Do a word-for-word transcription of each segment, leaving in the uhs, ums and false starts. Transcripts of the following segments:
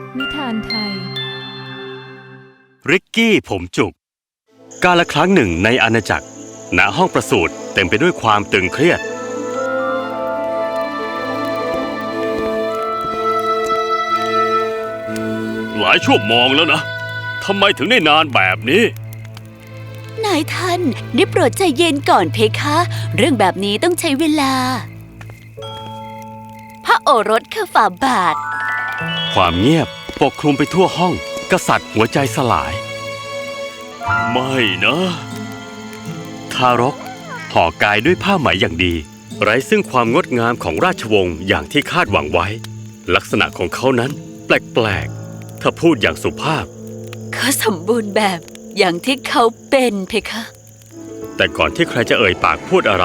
นิทานไทยริกกี้ผมจุกกาลครั้งหนึ่งในอาณาจักรณห้องประสูติเต็มไปด้วยความตึงเครียดหลายชั่วโมงแล้วนะทำไมถึงได้นานแบบนี้นายท่านได้โปรดใจเย็นก่อนเพคะเรื่องแบบนี้ต้องใช้เวลาพระโอรสคือฝ่าบาทความเงียบปกคลุมไปทั่วห้องกษัตริย์หัวใจสลายไม่นะทารกห่อกายด้วยผ้าไหมอย่างดีไร้ซึ่งความงดงามของราชวงศ์อย่างที่คาดหวังไว้ลักษณะของเขานั้นแปลกๆถ้าพูดอย่างสุภาพเขาสมบูรณ์แบบอย่างที่เขาเป็นเพคะแต่ก่อนที่ใครจะเอ่ยปากพูดอะไร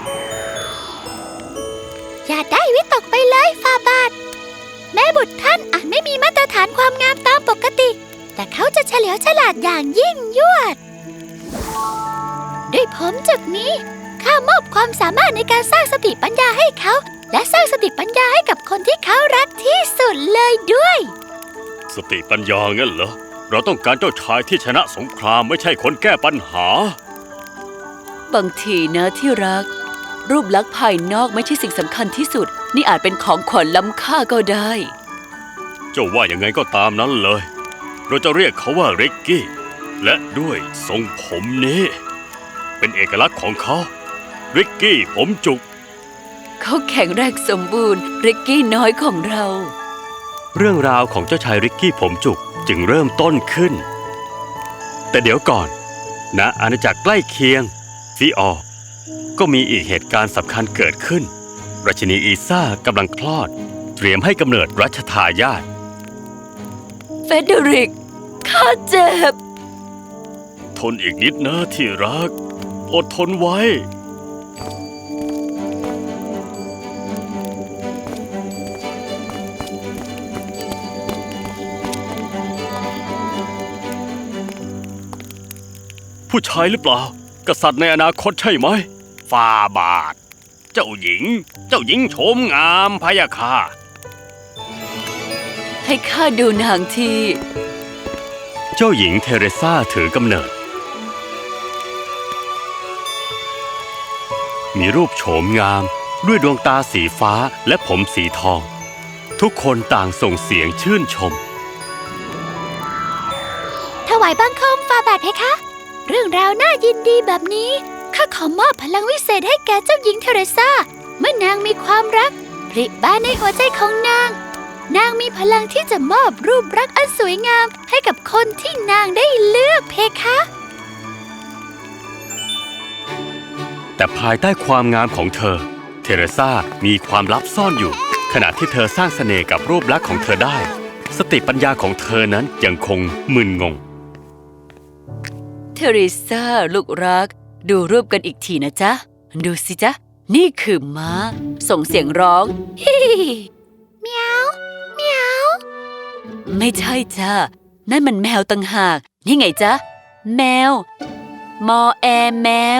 อย่าได้วิตกไปเลยฝ่าบาทแม่บุตรท่านอาจไม่มีมาตรฐานความงามตามปกติแต่เขาจะเฉลียวฉลาดอย่างยิ่งยวดด้วยผมจุดนี้ข้ามอบความสามารถในการสร้างสติปัญญาให้เขาและสร้างสติปัญญาให้กับคนที่เขารักที่สุดเลยด้วยสติปัญญางั้นเหรอเราต้องการเจ้าชายที่ชนะสงครามไม่ใช่คนแก้ปัญหาบางทีนะที่รักรูปลักษณ์ภายนอกไม่ใช่สิ่งสำคัญที่สุดนี่อาจเป็นของขวัญล้ำค่าก็ได้เจ้าว่ายังไงก็ตามนั้นเลยเราจะเรียกเขาว่าริกกี้และด้วยทรงผมนี้เป็นเอกลักษณ์ของเขาริกกี้ผมจุกเขาแข็งแรงสมบูรณ์ริกกี้น้อยของเราเรื่องราวของเจ้าชายริกกี้ผมจุกจึงเริ่มต้นขึ้นแต่เดี๋ยวก่อนณอาณาจักรใกล้เคียงฟิออร์ก็มีอีกเหตุการณ์สำคัญเกิดขึ้นราชินีอีซ่ากำลังคลอดเตรียมให้กำเนิดรัชทายาทเฟเดริกข้าเจ็บทนอีกนิดนะที่รักอดทนไว้ผู้ชายหรือเปล่ากษัตริย์ในอนาคตใช่ไหมฝ่าบาทเจ้าหญิงเจ้าหญิงโฉมงามพะยะค่ะให้ข้าดูนางทีเจ้าหญิงเทเรซาถือกำเนิดมีรูปโฉมงามด้วยดวงตาสีฟ้าและผมสีทองทุกคนต่างส่งเสียงชื่นชมถวายบังคมฝ่าบาทเพคะเรื่องราวน่ายินดีแบบนี้ข้าขอมอบพลังวิเศษให้แก่เจ้าหญิงเทเรซาเมื่อนางมีความรักผลิบานในหัวใจของนางนางมีพลังที่จะมอบรูปรักอันสวยงามให้กับคนที่นางได้เลือกเพคะแต่ภายใต้ความงามของเธอเทเรซามีความลับซ่อนอยู่ขณะที่เธอสร้างเสน่ห์กับรูปลักษณ์ของเธอได้สติปัญญาของเธอนั้นยังคงมึนงงเทเรซาลูกรักดูรูปกันอีกทีนะจ๊ะดูสิจ๊ะนี่คือม้าส่งเสียงร้องฮิเมียวเมียวไม่ใช่จ้ะนั่นมันแมวต่างหากนี่ไงจ๊ะแมวมอแอแมว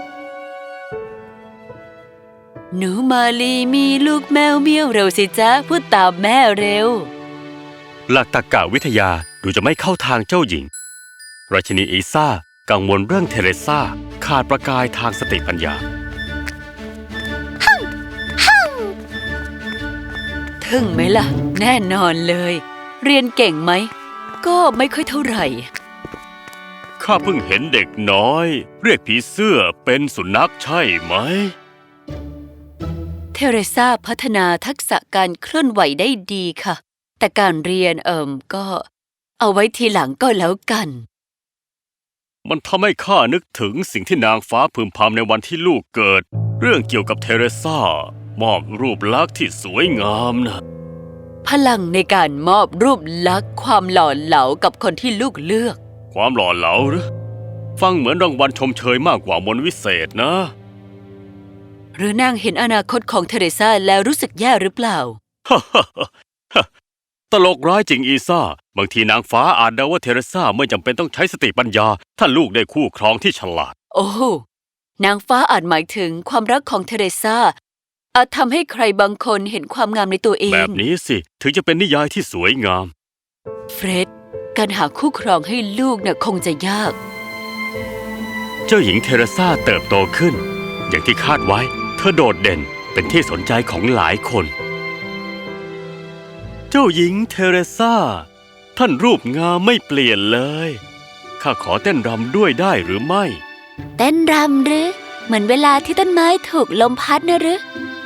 หนูมาลีมีลูกแมวเมียวเร็วสิจ๊ะพูดตามแม่เร็วหลักตรรกะวิทยาดูจะไม่เข้าทางเจ้าหญิงราชินีอีซ่ากังวลเรื่องเทเรซาขาดประกายทางสติปัญญาทึ่งไหมล่ะแน่นอนเลยเรียนเก่งไหมก็ไม่ค่อยเท่าไหร่ข้าเพิ่งเห็นเด็กน้อยเรียกผีเสื้อเป็นสุนัขใช่ไหมเทเรซาพัฒนาทักษะการเคลื่อนไหวได้ดีค่ะแต่การเรียนเอิ่มก็เอาไว้ทีหลังก็แล้วกันมันทำให้ข้านึกถึงสิ่งที่นางฟ้าพึมพำในวันที่ลูกเกิดเรื่องเกี่ยวกับเทเรซามอบรูปลักษณ์ที่สวยงามนะพลังในการมอบรูปลักษณ์ความหล่อเหลากับคนที่ลูกเลือกความหล่อเหลาหรือฟังเหมือนรางวัลชมเชยมากกว่ามนต์วิเศษนะหรือนางเห็นอนาคตของเทเรซาแล้วรู้สึกแย่หรือเปล่าตลกร้ายจริงอีซ่าบางทีนางฟ้าอาจเดาว่าเทเรซาไม่จำเป็นต้องใช้สติปัญญาถ้าลูกได้คู่ครองที่ฉลาดโอ้นางฟ้าอาจหมายถึงความรักของเทเรซาอาจทำให้ใครบางคนเห็นความงามในตัวเองแบบนี้สิถึงจะเป็นนิยายที่สวยงามเฟร็ดการหาคู่ครองให้ลูกน่ะคงจะยากเจ้าหญิงเทเรซาเติบโตขึ้น อย่างที่คาดไว้เธอโดดเด่นเป็นที่สนใจของหลายคน เจ้าหญิงเทเรซาท่านรูปงามไม่เปลี่ยนเลยข้าขอเต้นรำด้วยได้หรือไม่เต้นรำหรือเหมือนเวลาที่ต้นไม้ถูกลมพัดนะหรือ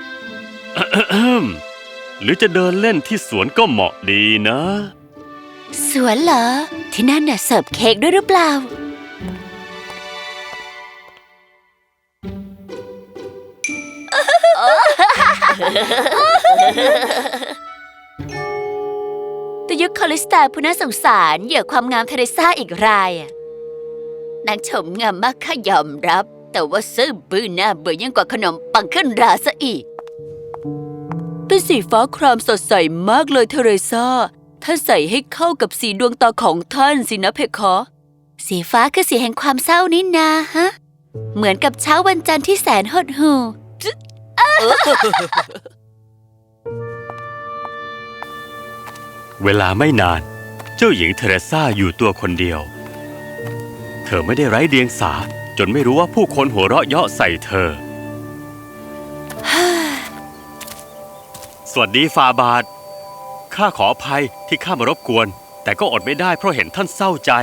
หรือจะเดินเล่นที่สวนก็เหมาะดีนะสวนเหรอที่นั่นน่ะเสิร์ฟเค้กด้วยหรือเปล่าแต่ยุคคอลิสตาผู้น่าสงสารเหยื่อความงามเทเรซ่าอีกรายอะนางชมงามมากข้ายอมรับ แต่ว่าซื่อบื้อหน้าเบื่อยิ่งกว่าขนมปังขึ้นราซะอีกเป็นสีฟ้าครามสดใสมากเลยเทเรซ่าท่านใส่ให้เข้ากับสีดวงตาของท่านสินะเพคะสีฟ้าคือสีแห่งความเศร้านี่นาฮะเหมือนกับเช้าวันจันทร์ที่แสนหดหู่เวลาไม่นานเจ้าหญิงเทเรซาอยู่ตัวคนเดียวเธอไม่ได้ไร้เดียงสาจนไม่รู้ว่าผู้คนหัวเราะเยาะใส่เธอ สวัสดีฟาบาทข้าขออภัยที่ข้ามารบกวนแต่ก็อดไม่ได้เพราะเห็นท่านเศร้าใจ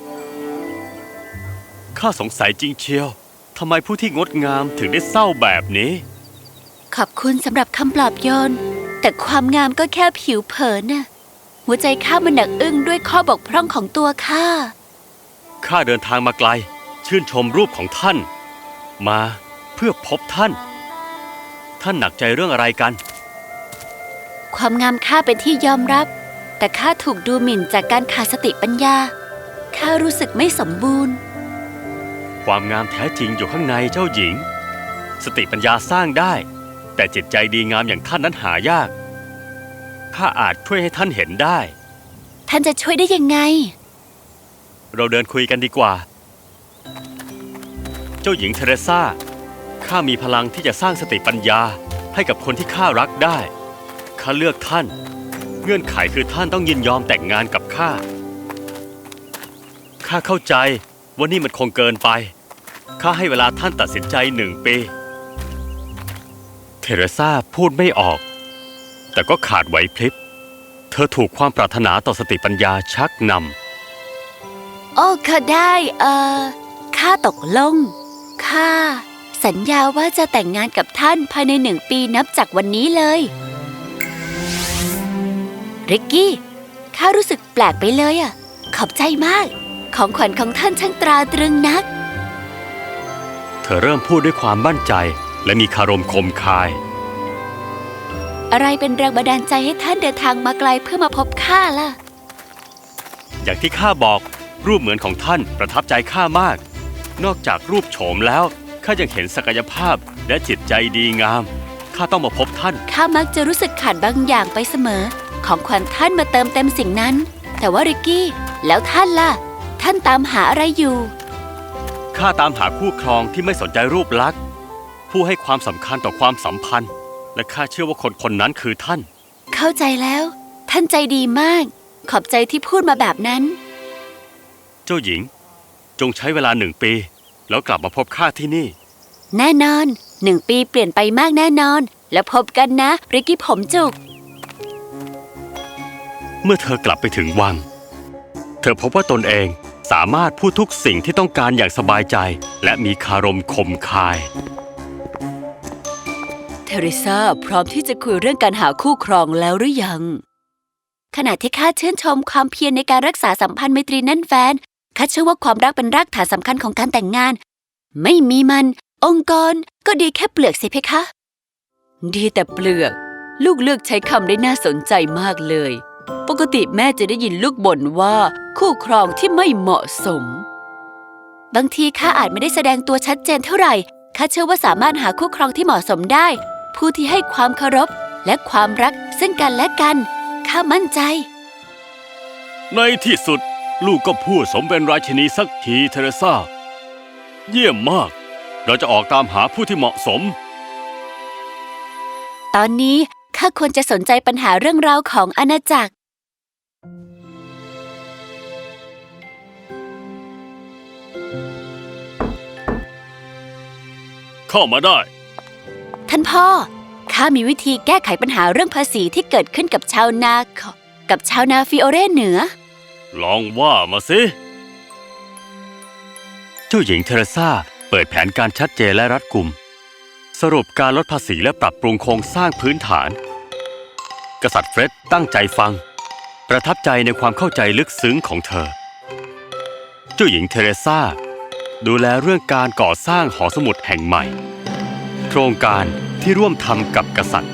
ข้าสงสัยจริงเชียวทำไมผู้ที่งดงามถึงได้เศร้าแบบนี้ขอบคุณสำหรับคำปลอบโยนแต่ความงามก็แค่ผิวเผินน่ะหัวใจข้ามันหนักอึ้งด้วยข้อบกพร่องของตัวข้าข้าเดินทางมาไกลชื่นชมรูปของท่านมาเพื่อพบท่านท่านหนักใจเรื่องอะไรกันความงามข้าเป็นที่ยอมรับแต่ข้าถูกดูหมิ่นจากการขาดสติปัญญาข้ารู้สึกไม่สมบูรณ์ความงามแท้จริงอยู่ข้างในเจ้าหญิงสติปัญญาสร้างได้แต่จิตใจดีงามอย่างท่านนั้นหายากข้าอาจช่วยให้ท่านเห็นได้ท่านจะช่วยได้ยังไงเราเดินคุยกันดีกว่าเจ้าหญิงเทเรซาข้ามีพลังที่จะสร้างสติปัญญาให้กับคนที่ข้ารักได้ข้าเลือกท่านเงื่อนไขคือท่านต้องยินยอมแต่งงานกับข้าข้าเข้าใจว่านี่มันคงเกินไปข้าให้เวลาท่านตัดสินใจหนึ่งปีเทเรซาพูดไม่ออกแต่ก็ขาดไหวพริบเธอถูกความปรารถนาต่อสติปัญญาชักนำโอ้ข้าได้เอ่อข้าตกลงข้าสัญญาว่าจะแต่งงานกับท่านภายในหนึ่งปีนับจากวันนี้เลยริกกี้ข้ารู้สึกแปลกไปเลยอ่ะขอบใจมากของขวัญของท่านช่างตราตรึงนักเธอเริ่มพูดด้วยความมั่นใจและมีคารมคมคายอะไรเป็นแรงบันดาลใจให้ท่านเดินทางมาไกลเพื่อมาพบข้าล่ะอย่างที่ข้าบอกรูปเหมือนของท่านประทับใจข้ามากนอกจากรูปโฉมแล้วข้ายังเห็นศักยภาพและจิตใจดีงามข้าต้องมาพบท่านข้ามักจะรู้สึกขาดบางอย่างไปเสมอของขวัญท่านมาเติมเต็มสิ่งนั้นแต่ว่าริกกี้แล้วท่านล่ะท่านตามหาอะไรอยู่ข้าตามหาคู่ครองที่ไม่สนใจรูปลักษณ์ผู้ให้ความสำคัญต่อความสัมพันธ์และข้าเชื่อว่าคนคนนั้นคือท่านเข้าใจแล้วท่านใจดีมากขอบใจที่พูดมาแบบนั้นเจ้าหญิงจงใช้เวลาหนึ่งปีแล้วกลับมาพบข้าที่นี่แน่นอนหนึ่งปีเปลี่ยนไปมากแน่นอนแล้วพบกันนะริกกี้ผมจุกเมื่อเธอกลับไปถึงวังเธอพบว่าตนเองสามารถพูดทุกสิ่งที่ต้องการอย่างสบายใจและมีคารมคมคายเทเรซ่าพร้อมที่จะคุยเรื่องการหาคู่ครองแล้วหรือยังขณะที่ข้าชื่นชมความเพียรในการรักษาสัมพันธ์ไมตรีแน่นแฟ้นข้าเชื่อว่าความรักเป็นรากฐานสำคัญของการแต่งงานไม่มีมันองค์กรก็ดีแค่เปลือกสิเพคะดีแต่เปลือกลูกเลือกใช้คำได้น่าสนใจมากเลยปกติแม่จะได้ยินลูกบ่นว่าคู่ครองที่ไม่เหมาะสมบางทีข้าอาจไม่ได้แสดงตัวชัดเจนเท่าไหร่ข้าเชื่อว่าสามารถหาคู่ครองที่เหมาะสมได้ผู้ที่ให้ความเคารพและความรักซึ่งกันและกันข้ามั่นใจในที่สุดลูกก็พูดสมเป็นราชินีสักทีเทเรซาเยี่ยมมากเราจะออกตามหาผู้ที่เหมาะสมตอนนี้ข้าควรจะสนใจปัญหาเรื่องราวของอาณาจักรเข้ามาได้ท่านพ่อ ข้ามีวิธีแก้ไขปัญหาเรื่องภาษีที่เกิดขึ้นกับชาวนากับชาวนาฟิโอเรเหนือลองว่ามาสิ เจ้าหญิงเทเรซาเปิดแผนการชัดเจนและรัดกุม สรุปการลดภาษีและปรับปรุงโครงสร้างพื้นฐาน กษัตริย์เฟร็ดตั้งใจฟัง ประทับใจในความเข้าใจลึกซึ้งของเธอ เจ้าหญิงเทเรซาดูแลเรื่องการก่อสร้างหอสมุดแห่งใหม่ โครงการที่ร่วมทำกับกษัตริย์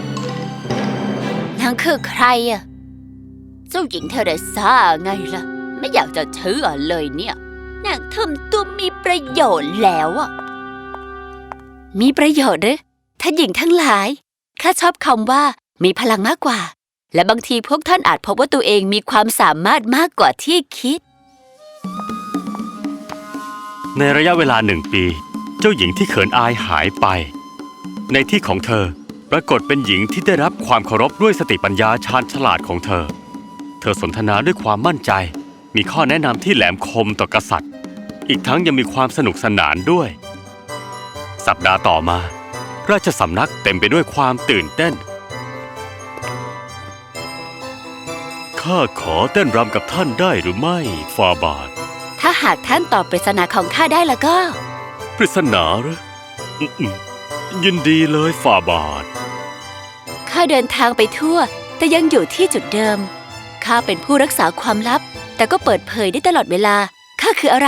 นางคือใครอะเจ้าหญิงเทเรซาไงล่ะ ไม่อยากจะเชื่อเลยเนี่ยนางทำตัวมีประโยชน์แล้วอะมีประโยชน์หรือท่านหญิงทั้งหลายข้าชอบคำว่ามีพลังมากกว่า และบางทีพวกท่านอาจพบว่าตัวเองมีความสามารถมากกว่าที่คิดในระยะเวลาหนึ่งปี เจ้าหญิงที่เขินอายหายไป ในที่ของเธอปรากฏเป็นหญิงที่ได้รับความเคารพด้วยสติปัญญาชาญฉลาดของเธอ เธอสนทนาด้วยความมั่นใจ มีข้อแนะนำที่แหลมคมต่อกษัตริย์ อีกทั้งยังมีความสนุกสนานด้วย สัปดาห์ต่อมา ราชสำนักเต็มไปด้วยความตื่นเต้น ข้าขอเต้นรำกับท่านได้หรือไม่ฟาบาทถ้าหากท่านตอบปริศนาของข้าได้แล้วก็ปริศนาเหรออืมๆยินดีเลยฟาบาทข้าเดินทางไปทั่วแต่ยังอยู่ที่จุดเดิม ข้าเป็นผู้รักษาความลับ แต่ก็เปิดเผยได้ตลอดเวลา ข้าคืออะไร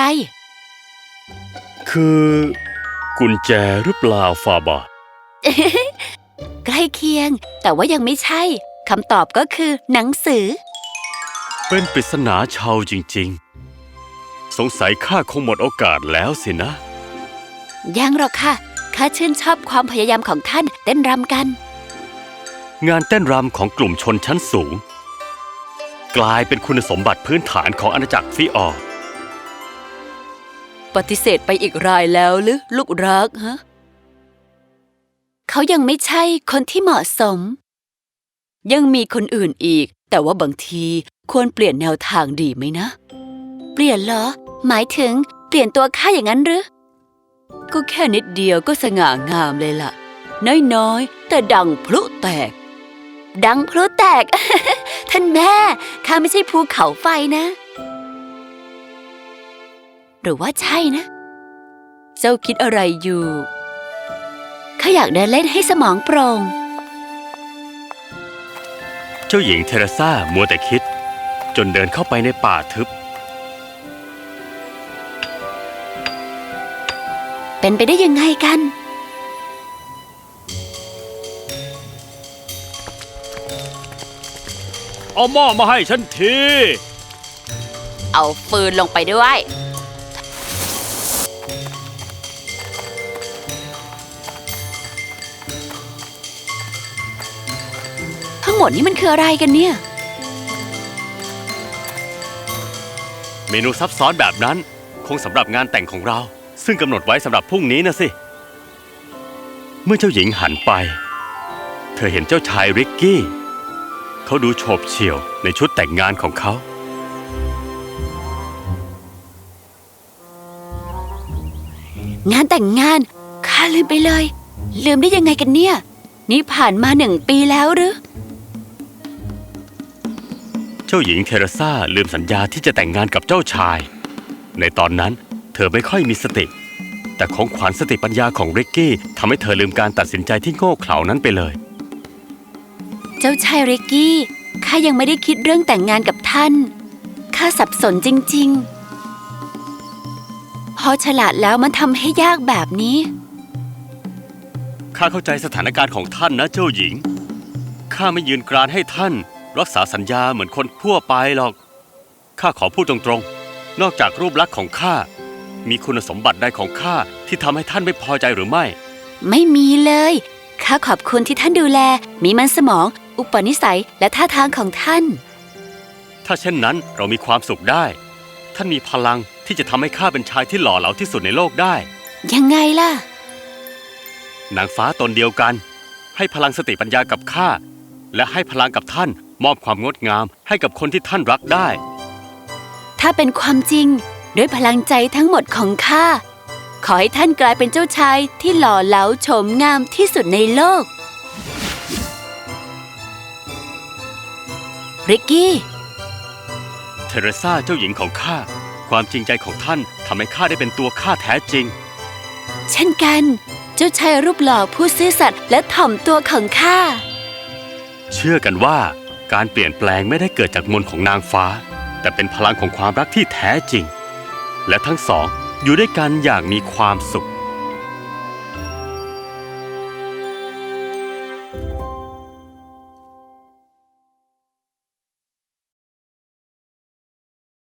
คือ กุญแจหรือเปล่าฟาบาทใกล้เคียง แต่ว่ายังไม่ใช่คำตอบก็คือหนังสือเป็นปริศนาชาวจริงๆ สงสัยข้าคงหมดโอกาสแล้วสินะยังหรอกค่ะ ข้าชื่นชอบความพยายามของท่านเต้นรำกันงานเต้นรำของกลุ่มชนชั้นสูง กลายเป็นคุณสมบัติพื้นฐานของอาณาจักรฟิออร์ปฏิเสธไปอีกรายแล้วหรือลูกรักฮะ เขายังไม่ใช่คนที่เหมาะสม ยังมีคนอื่นอีก แต่ว่าบางทีควรเปลี่ยนแนวทางดีไหมนะ เปลี่ยนเหรอ หมายถึงเปลี่ยนตัวข้าอย่างนั้นหรือ ก็แค่นิดเดียวก็สง่างามเลยล่ะ น้อยๆ แต่ดังพลุแตก ดังพลุแตก ท่านแม่ ข้าไม่ใช่ภูเขาไฟนะ หรือว่าใช่นะ เจ้าคิดอะไรอยู่ ข้าอยากเดินเล่นให้สมองโปร่งเจ้าหญิงเทเรซามัวแต่คิด จนเดินเข้าไปในป่าทึบเป็นไปได้ยังไงกันเอาหม้อมาให้ฉันทีเอาฟืนลงไปด้วย ทั้งหมดนี้มันคืออะไรกันเนี่ยเมนูซับซ้อนแบบนั้นคงสำหรับงานแต่งของเรา ซึ่งกำหนดไว้สำหรับพรุ่งนี้นะสิ เมื่อเจ้าหญิงหันไป เธอเห็นเจ้าชายริกกี้ เขาดูโฉบเฉี่ยวในชุดแต่งงานของเขางานแต่งงาน ข้าลืมไปเลย ลืมได้ยังไงกันเนี่ย นี่ผ่านมาหนึ่งปีแล้วหรือเจ้าหญิงเทเรซาลืมสัญญาที่จะแต่งงานกับเจ้าชาย ในตอนนั้นเธอไม่ค่อยมีสติ แต่ของขวัญสติปัญญาของริกกี้ทำให้เธอลืมการตัดสินใจที่โง่เขลานั้นไปเลยเจ้าชายริกกี้ ข้ายังไม่ได้คิดเรื่องแต่งงานกับท่าน ข้าสับสนจริงๆ พอฉลาดแล้วมันทำให้ยากแบบนี้ข้าเข้าใจสถานการณ์ของท่านนะเจ้าหญิง ข้าไม่ยืนกรานให้ท่านรักษาสัญญาเหมือนคนทั่วไปหรอก ข้าขอพูดตรงๆ นอกจากรูปลักษณ์ของข้า มีคุณสมบัติใดของข้าที่ทำให้ท่านไม่พอใจหรือไม่ไม่มีเลย ข้าขอบคุณที่ท่านดูแล มีมันสมอง อุปนิสัย และท่าทางของท่านถ้าเช่นนั้นเรามีความสุขได้ ท่านมีพลังที่จะทำให้ข้าเป็นชายที่หล่อเหลาที่สุดในโลกได้ยังไงล่ะนางฟ้าตนเดียวกัน ให้พลังสติปัญญากับข้า และให้พลังกับท่านมอบความงดงามให้กับคนที่ท่านรักได้ถ้าเป็นความจริง ด้วยพลังใจทั้งหมดของข้าขอให้ท่านกลายเป็นเจ้าชายที่หล่อเหลาโฉมงามที่สุดในโลก ริกกี้เทเรซาเจ้าหญิงของข้า ความจริงใจของท่านทำให้ข้าได้เป็นตัวข้าแท้จริงเช่นกัน เจ้าชายรูปหล่อผู้ซื่อสัตย์และถ่อมตัวของข้าเชื่อกันว่าการเปลี่ยนแปลงไม่ได้เกิดจากมนต์ของนางฟ้า แต่เป็นพลังของความรักที่แท้จริง และทั้งสองอยู่ด้วยกันอย่างมีความสุข